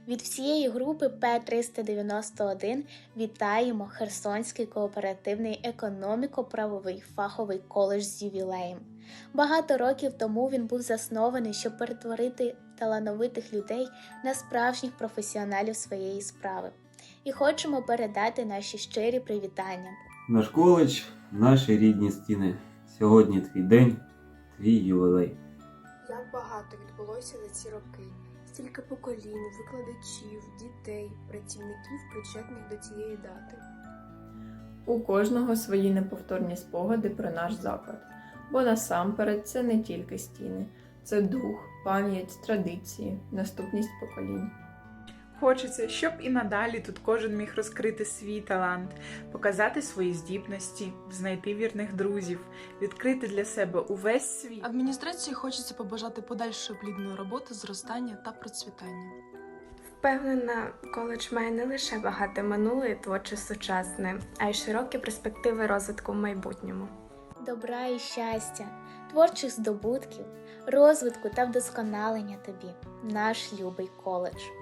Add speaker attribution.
Speaker 1: Від всієї групи П-391 вітаємо Херсонський кооперативний економіко-правовий фаховий коледж з ювілеєм. Багато років тому він був заснований, щоб перетворити талановитих людей на справжніх професіоналів своєї справи. І хочемо передати наші щирі привітання.
Speaker 2: Наш коледж, наші рідні стіни. Сьогодні твій день, твій ювілей.
Speaker 3: Як багато відбулося за ці роки. Стільки поколінь, викладачів, дітей, працівників, причетних до цієї дати.
Speaker 4: У кожного свої неповторні спогади про наш заклад. Бо насамперед це не тільки стіни. Це дух, пам'ять, традиції, наступність поколінь.
Speaker 5: Хочеться, щоб і надалі тут кожен міг розкрити свій талант, показати свої здібності, знайти вірних друзів, відкрити для себе увесь світ.
Speaker 6: Адміністрації хочеться побажати подальшої плідної роботи, зростання та процвітання.
Speaker 3: Впевнена, коледж має не лише багате минуле і творче сучасне, а й широкі перспективи розвитку в майбутньому.
Speaker 1: Добра і щастя, творчих здобутків, розвитку та вдосконалення тобі, наш любий коледж.